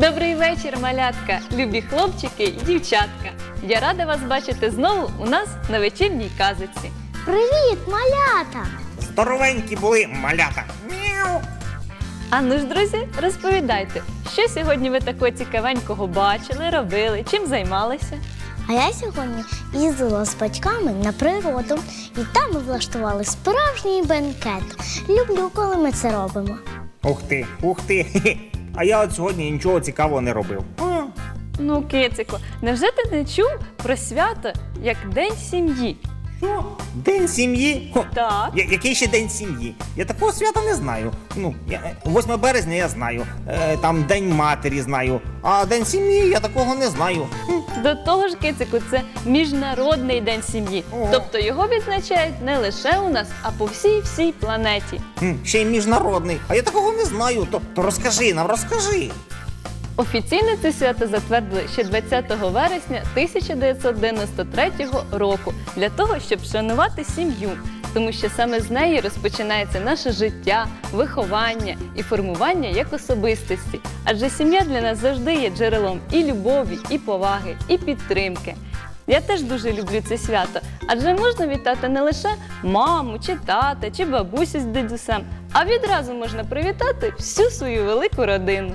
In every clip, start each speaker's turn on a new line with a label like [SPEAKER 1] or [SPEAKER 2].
[SPEAKER 1] Добрий вечір, малятка, любі хлопчики і дівчатка. Я рада вас бачити знову у нас на вечірній казочці.
[SPEAKER 2] Привіт, малята!
[SPEAKER 3] Здоровенькі були малята. Мяу.
[SPEAKER 1] А ну ж, друзі, розповідайте, що сьогодні ви такого цікавенького бачили, робили, чим займалися?
[SPEAKER 2] А я сьогодні їздила з батьками на природу, і там ми влаштували справжній бенкет. Люблю, коли ми це робимо.
[SPEAKER 3] Ух ти, ух ти. Хе-хе. А я от сьогодні нічого цікавого не робив.
[SPEAKER 1] Ну, кицику, невже ти не чув про свято, як День сім'ї?
[SPEAKER 3] Що? День сім'ї? Хо,
[SPEAKER 1] Так.
[SPEAKER 3] Який ще день сім'ї? Я такого свята не знаю. 8 березня я знаю, там День матері знаю, а День сім'ї я такого не знаю.
[SPEAKER 1] До того ж, кицику, це Міжнародний день сім'ї.
[SPEAKER 3] Ого.
[SPEAKER 1] Тобто його відзначають не лише у нас, а по всій планеті.
[SPEAKER 3] Ще й міжнародний, а я такого не знаю. То розкажи нам, розкажи.
[SPEAKER 1] Офіційно це свято затвердили ще 20 вересня 1993 року для того, щоб шанувати сім'ю, тому що саме з неї розпочинається наше життя, виховання і формування як особистості. Адже сім'я для нас завжди є джерелом і любові, і поваги, і підтримки. Я теж дуже люблю це свято, адже можна вітати не лише маму, чи тата, чи бабусю з дідусем, а відразу можна привітати всю свою велику родину.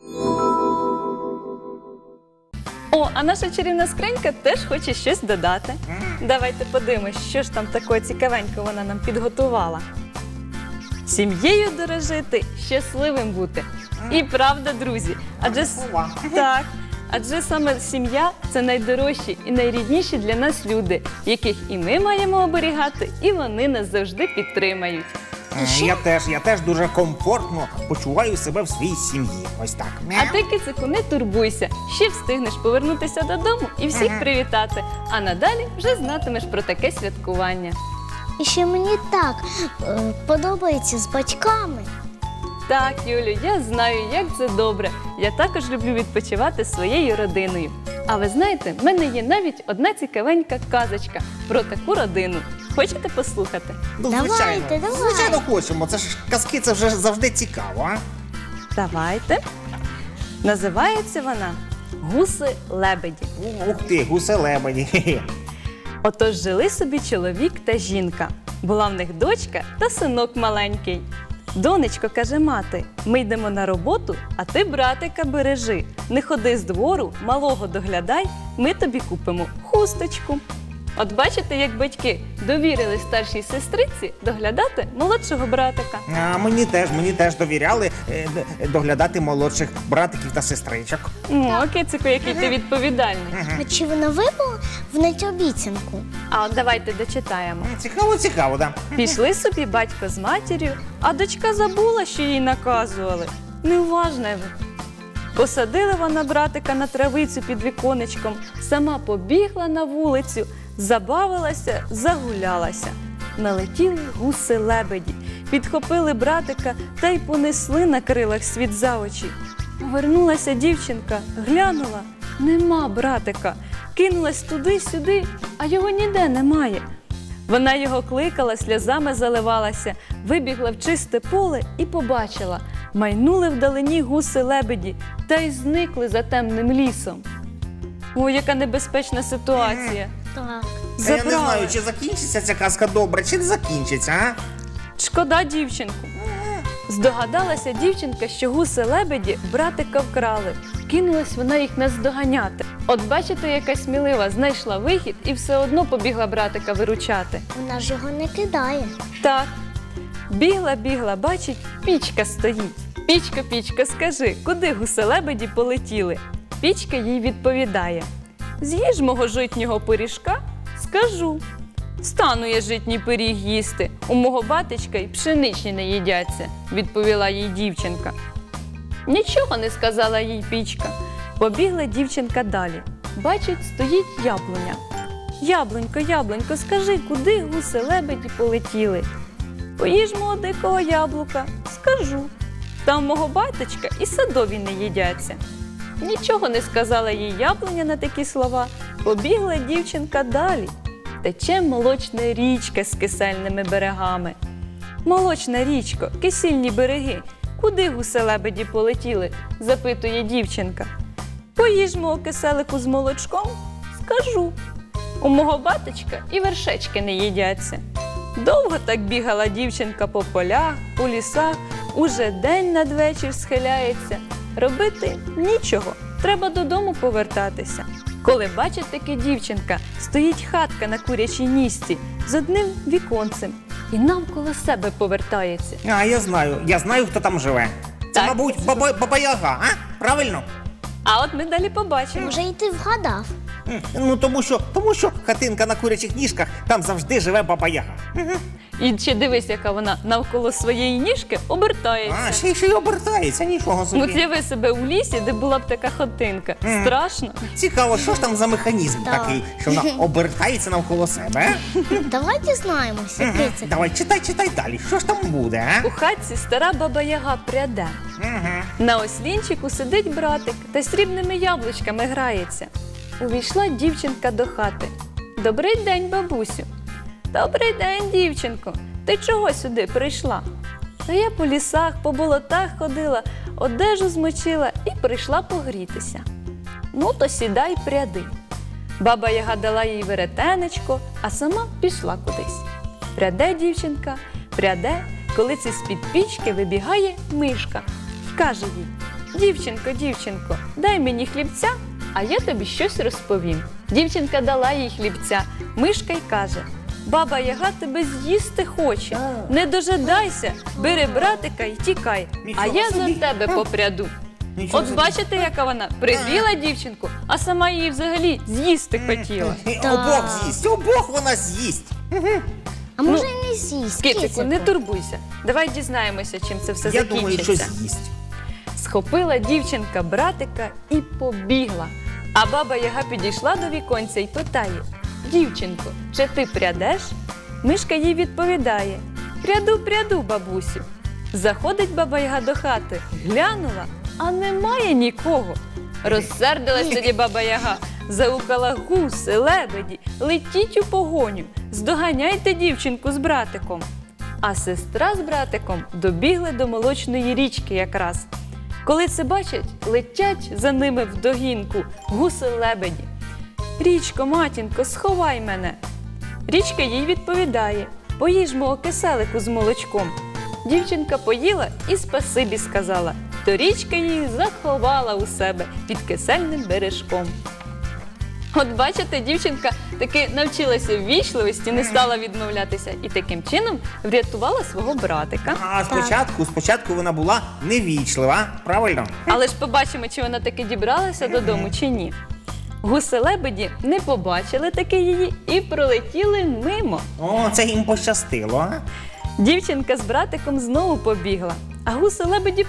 [SPEAKER 1] О, а наша чарівна скринька теж хоче щось додати. Давайте подивимось, що ж там такого цікавенького вона нам підготувала. Сім'єю дорожити, щасливим бути. І правда, друзі, адже саме сім'я – це найдорожчі і найрідніші для нас люди, яких і ми маємо оберігати, і вони нас завжди підтримають.
[SPEAKER 3] Я теж дуже комфортно почуваю себе в своїй сім'ї. Ось так.
[SPEAKER 1] А ти, кицику, не турбуйся, ще встигнеш повернутися додому і всіх привітати, а надалі вже знатимеш про таке святкування.
[SPEAKER 2] І ще мені так подобається з батьками.
[SPEAKER 1] Так, Юлю, я знаю, як це добре. Я також люблю відпочивати зі своєю родиною. А ви знаєте, в мене є навіть одна цікавенька казочка про таку родину. Хочете послухати?
[SPEAKER 3] Ну,
[SPEAKER 2] Давайте.
[SPEAKER 3] Звичайно хочемо. Це ж казки, це вже завжди цікаво, а?
[SPEAKER 1] Давайте. Називається вона «Гуси-лебеді».
[SPEAKER 3] Ух ти, гуси-лебеді. Хе-хе.
[SPEAKER 1] Отож жили собі чоловік та жінка. Була в них дочка та синок маленький. Донечко, каже мати, ми йдемо на роботу, а ти братика бережи. Не ходи з двору, малого доглядай, ми тобі купимо хусточку. От бачите, як батьки довірили старшій сестриці доглядати молодшого братика.
[SPEAKER 3] А мені теж довіряли доглядати молодших братиків та сестричок.
[SPEAKER 1] О, кицику, який ти відповідальний.
[SPEAKER 2] А чи вона виконать обіцянку?
[SPEAKER 1] А от давайте дочитаємо.
[SPEAKER 3] Цікаво, да.
[SPEAKER 1] Пішли собі батько з матір'ю, а дочка забула, що їй наказували. Неуважна ви. Посадила вона братика на травицю під віконечком, сама побігла на вулицю, забавилася, загулялася. Налетіли гуси-лебеді, підхопили братика та й понесли на крилах світ за очі. Повернулася дівчинка, глянула, нема братика. Кинулась туди-сюди, а його ніде немає. Вона його кликала, сльозами заливалася, вибігла в чисте поле і побачила. Майнули вдалині гуси-лебеді та й зникли за темним лісом. Ой, яка небезпечна ситуація.
[SPEAKER 2] Так.
[SPEAKER 3] Я не знаю, чи закінчиться ця казка добре, чи не закінчиться, а?
[SPEAKER 1] Шкода дівчинку. Здогадалася дівчинка, що гуси-лебеді братика вкрали. Кинулась вона їх наздоганяти. От бачите, яка смілива, знайшла вихід і все одно побігла братика виручати.
[SPEAKER 2] Вона ж його не кидає.
[SPEAKER 1] Так. Бігла, бачить, пічка стоїть. Пічка, скажи, куди гуси-лебеді полетіли? Пічка їй відповідає. З'їж мого житнього пиріжка, скажу. Стану я житній пиріг їсти, у мого батечка й пшеничні не їдяться, відповіла їй дівчинка. Нічого не сказала їй пічка. Побігла дівчинка далі. Бачить, стоїть яблуня. Яблунько, скажи, куди гуси-лебеді полетіли? Поїж мого дикого яблука, скажу. Там мого батечка і садові не їдяться. Нічого не сказала їй яблуня на такі слова. Побігла дівчинка далі. Тече молочна річка з кисельними берегами. Молочна річко, кисільні береги, куди гуси-лебеді полетіли? Запитує дівчинка. Поїж мого киселику з молочком? Скажу. У мого батечка і вершечки не їдяться. Довго так бігала дівчинка по полях, по лісах, уже день надвечір схиляється. Робити нічого, треба додому повертатися. Коли бачить таки дівчинка, стоїть хатка на курячій нісці з одним віконцем і навколо себе повертається.
[SPEAKER 3] А, я знаю, хто там живе. Це,
[SPEAKER 1] Так.
[SPEAKER 3] мабуть, Баба Яга, а? Правильно?
[SPEAKER 1] А от ми далі побачимо.
[SPEAKER 2] Може, і ти вгадав?
[SPEAKER 3] Ну, тому що хатинка на курячих ніжках, там завжди живе Баба Яга.
[SPEAKER 1] І ще дивись, яка вона навколо своєї ніжки обертається.
[SPEAKER 3] А, ще й обертається, нічого
[SPEAKER 1] От
[SPEAKER 3] собі.
[SPEAKER 1] з'яви себе у лісі, де була б така хатинка. Страшно.
[SPEAKER 3] Цікаво, що ж там за механізм
[SPEAKER 2] Так.
[SPEAKER 3] такий, що вона обертається навколо себе, а?
[SPEAKER 2] Давай дізнаємося, який це.
[SPEAKER 3] Давай, читай далі, що ж там буде, а?
[SPEAKER 1] У хатці стара баба Яга пряде. На ослінчику сидить братик та срібними яблучками грається. Увійшла дівчинка до хати. Добрий день, бабусю. Добрий день, дівчинко. Ти чого сюди прийшла? Та я по лісах, по болотах ходила, одежу змочила і прийшла погрітися. Ну, то сідай, пряди. Баба Яга дала їй веретенечко, а сама пішла кудись. Пряде дівчинка, пряде, коли це з-під пічки вибігає мишка. І каже їй: дівчинко, дай мені хлібця, а я тобі щось розповім. Дівчинка дала їй хлібця. Мишка й каже: баба Яга тебе з'їсти хоче. Не дожидайся, бери братика і тікай, а
[SPEAKER 3] Нічого
[SPEAKER 1] я за
[SPEAKER 3] собі.
[SPEAKER 1] тебе попряду.
[SPEAKER 3] Нічого
[SPEAKER 1] От
[SPEAKER 3] собі.
[SPEAKER 1] бачите, яка вона пригріла дівчинку, а сама її взагалі з'їсти хотіла.
[SPEAKER 3] Обох вона з'їсть.
[SPEAKER 2] А може, і не з'їсть.
[SPEAKER 1] Кицику, не турбуйся. Давай дізнаємося, чим це все
[SPEAKER 3] Я думаю, що
[SPEAKER 1] закінчиться.
[SPEAKER 3] з'їсть.
[SPEAKER 1] Схопила дівчинка братика і побігла. А баба Яга підійшла до віконця і питає: дівчинко, чи ти прядеш? Мишка їй відповідає: пряду, бабусю. Заходить баба Яга до хати, глянула, а немає нікого. Розсердилась тоді баба Яга, заукала: гуси, лебеді, летіть у погоню, здоганяйте дівчинку з братиком. А сестра з братиком добігли до молочної річки якраз. Коли це бачать, летять за ними вдогінку гуси-лебеді. Річко, матінко, сховай мене. Річка їй відповідає: поїж мого киселику з молочком. Дівчинка поїла і спасибі сказала, то річка її заховала у себе під кисельним бережком. От бачите, дівчинка таки навчилася ввічливості, не стала відмовлятися і таким чином врятувала свого братика.
[SPEAKER 3] А спочатку вона була невічлива, правильно?
[SPEAKER 1] Але ж побачимо, чи вона таки дібралася додому, чи ні. Гуси-лебеді не побачили таки її і пролетіли мимо.
[SPEAKER 3] О, це їм пощастило, а?
[SPEAKER 1] Дівчинка з братиком знову побігла, а гуси-лебеді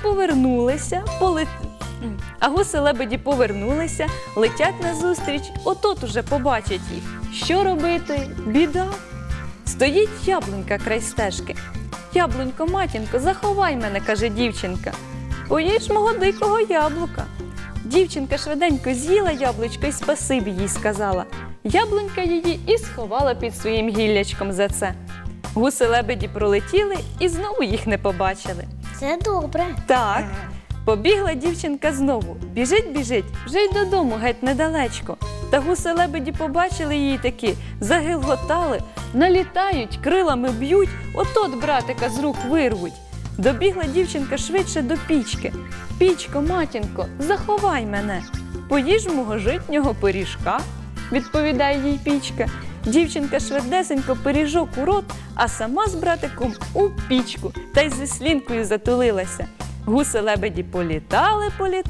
[SPEAKER 1] повернулися, летять назустріч, отот уже побачать їх. Що робити? Біда. Стоїть яблунька край стежки. Яблунько, матінко, заховай мене, каже дівчинка. Поїж мого дикого яблука. Дівчинка швиденько з'їла яблучко і спасибі їй сказала. Яблунька її і сховала під своїм гіллячком за це. Гуси-лебеді пролетіли і знову їх не побачили.
[SPEAKER 2] Це добре.
[SPEAKER 1] Так, побігла дівчинка знову. Біжить, вже й додому геть недалечко. Та гуси-лебеді побачили її таки, загилготали, налітають, крилами б'ють, от братика з рук вирвуть. Добігла дівчинка швидше до пічки. Пічко, матінко, заховай мене. Поїж мого житнього пиріжка, відповідає їй пічка. Дівчинка швидесенько пиріжок у рот, а сама з братиком у пічку та й зі слінкою затулилася. Гуси-лебеді політали,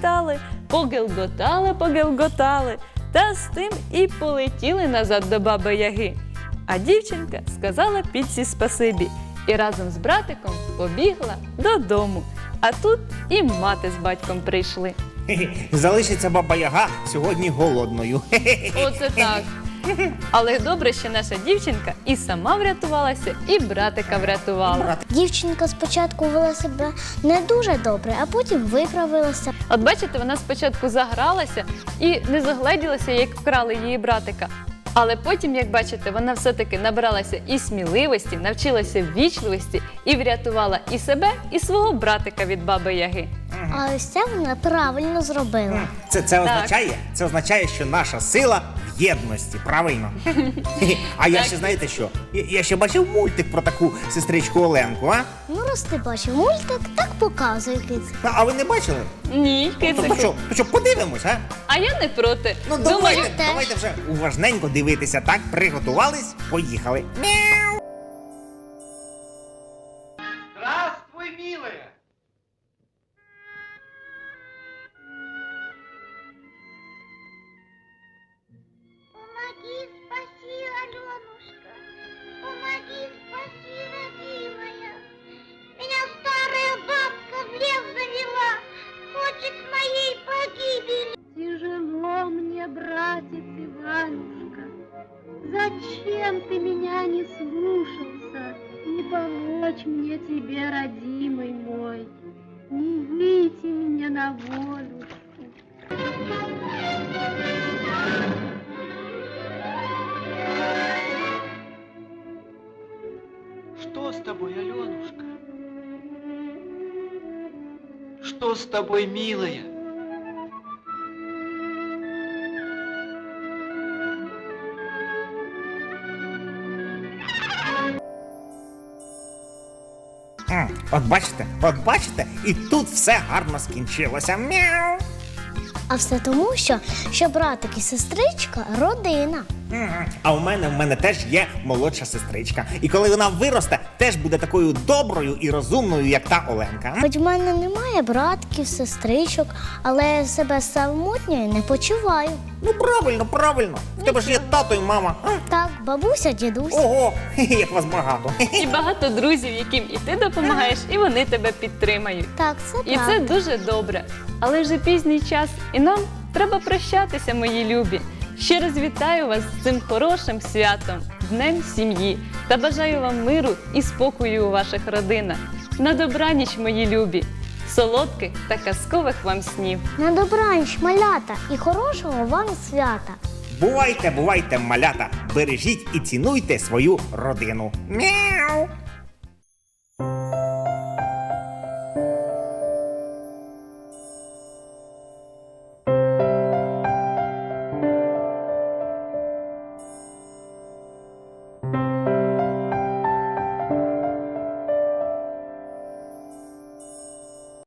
[SPEAKER 1] погелготали, та з тим і полетіли назад до баби Яги. А дівчинка сказала пічці спасибі і разом з братиком побігла додому. А тут і мати з батьком прийшли.
[SPEAKER 3] Залишиться Баба Яга сьогодні голодною.
[SPEAKER 1] Оце так. Але добре, що наша дівчинка і сама врятувалася, і братика врятувала.
[SPEAKER 2] Дівчинка спочатку вела себе не дуже добре, а потім виправилася.
[SPEAKER 1] От бачите, вона спочатку загралася і не загледілася, як вкрали її братика. Але потім, як бачите, вона все-таки набралася і сміливості, навчилася ввічливості і врятувала і себе, і свого братика від Баби Яги.
[SPEAKER 2] А ось це вона правильно зробила.
[SPEAKER 3] Це означає, що наша сила в єдності, правильно? А я
[SPEAKER 1] Так.
[SPEAKER 3] ще, знаєте що? Я ще бачив мультик про таку сестричку Оленку, а?
[SPEAKER 2] Ну, раз ти бачив мультик, так показуй, кицик.
[SPEAKER 3] А ви не бачили?
[SPEAKER 1] Ні,
[SPEAKER 3] То
[SPEAKER 1] кицику.
[SPEAKER 3] що, подивимось, а?
[SPEAKER 1] А я не проти.
[SPEAKER 3] Ну,
[SPEAKER 1] Думаю,
[SPEAKER 3] давайте вже уважненько дивитися, так? Приготувались, поїхали.
[SPEAKER 4] Здравствуй, милая!
[SPEAKER 5] Помоги, спаси, Аленушка. Помоги, спаси, родимая. Меня старая бабка в лес завела. Хочет моей погибели.
[SPEAKER 6] Тяжело мне, братец Иванушка. Зачем ты меня не слушался? Не помочь мне тебе, родимый мой. Не выйти мне на волюшку.
[SPEAKER 4] Что с тобой, Аленушка? Что с тобой, милая?
[SPEAKER 3] От бачите, і тут все гарно скінчилося. Мяу.
[SPEAKER 2] А все тому, що братик і сестричка – родина.
[SPEAKER 3] А в мене теж є молодша сестричка. І коли вона виросте, теж буде такою доброю і розумною, як та Оленка.
[SPEAKER 2] Хоч в мене немає братків, сестричок, але я себе самотньою не почуваю.
[SPEAKER 3] Ну правильно. В тебе ж є тато і мама. А?
[SPEAKER 2] Так, бабуся, дідусь.
[SPEAKER 3] Ого, як вас багато.
[SPEAKER 1] і багато друзів, яким і ти допомагаєш, і вони тебе підтримають.
[SPEAKER 2] Так, це
[SPEAKER 1] І
[SPEAKER 2] правда.
[SPEAKER 1] це дуже добре. Але вже пізній час, і нам треба прощатися, мої любі. Ще раз вітаю вас з цим хорошим святом, Днем сім'ї, та бажаю вам миру і спокою у ваших родинах. На добраніч, мої любі, солодких та казкових вам снів.
[SPEAKER 2] На добраніч, малята, і хорошого вам свята.
[SPEAKER 3] Бувайте, малята, бережіть і цінуйте свою родину. Мяу.